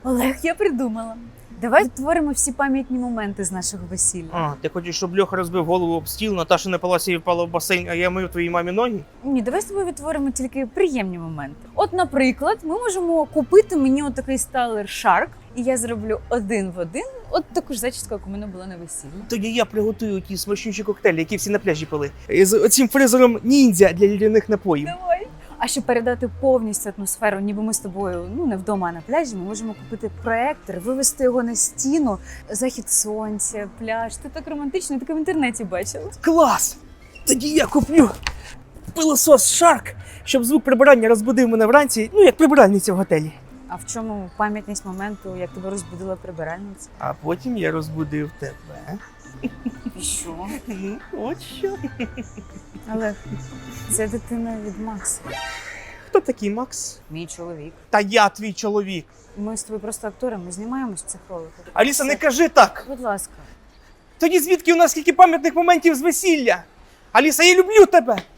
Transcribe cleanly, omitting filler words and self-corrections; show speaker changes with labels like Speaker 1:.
Speaker 1: Олег, я придумала. Давай відтворимо всі пам'ятні моменти з нашого весілля.
Speaker 2: А, ти хочеш, щоб Льоха розбив голову об стіл, Наташа не палася і впала в басейн, а я мив твоїй мамі ноги?
Speaker 1: Ні, давай з тобою відтворимо тільки приємні моменти. От, наприклад, ми можемо купити мені отакий стайлер Shark, і я зроблю один в один от таку ж зачіску, як у мене була на весіллі.
Speaker 2: Тоді я приготую ті смачнючі коктейлі, які всі на пляжі пили. З оцим фризером ніндзя для лідяних напоїв.
Speaker 1: Давай. А щоб передати повністю атмосферу, ніби ми з тобою не вдома, а на пляжі, ми можемо купити проектор, вивести його на стіну, захід сонця, пляж. Це так романтично, я таке в інтернеті бачила.
Speaker 2: Клас! Тоді я куплю пилосос Shark, щоб звук прибирання розбудив мене вранці, як прибиральниця в готелі.
Speaker 1: А в чому пам'ятність моменту, як тебе розбудила прибиральниця?
Speaker 2: А потім я розбудив тебе.
Speaker 1: І що?
Speaker 2: От що.
Speaker 1: Але це дитина від Макса,
Speaker 2: Хто такий Макс?
Speaker 1: мій чоловік.
Speaker 2: Та я твій чоловік.
Speaker 1: Ми з тобою просто актори, ми знімаємось в цих роликах.
Speaker 2: Аліса, не кажи так.
Speaker 1: Будь ласка.
Speaker 2: Тоді звідки у нас скільки пам'ятних моментів з весілля? Аліса, я люблю тебе.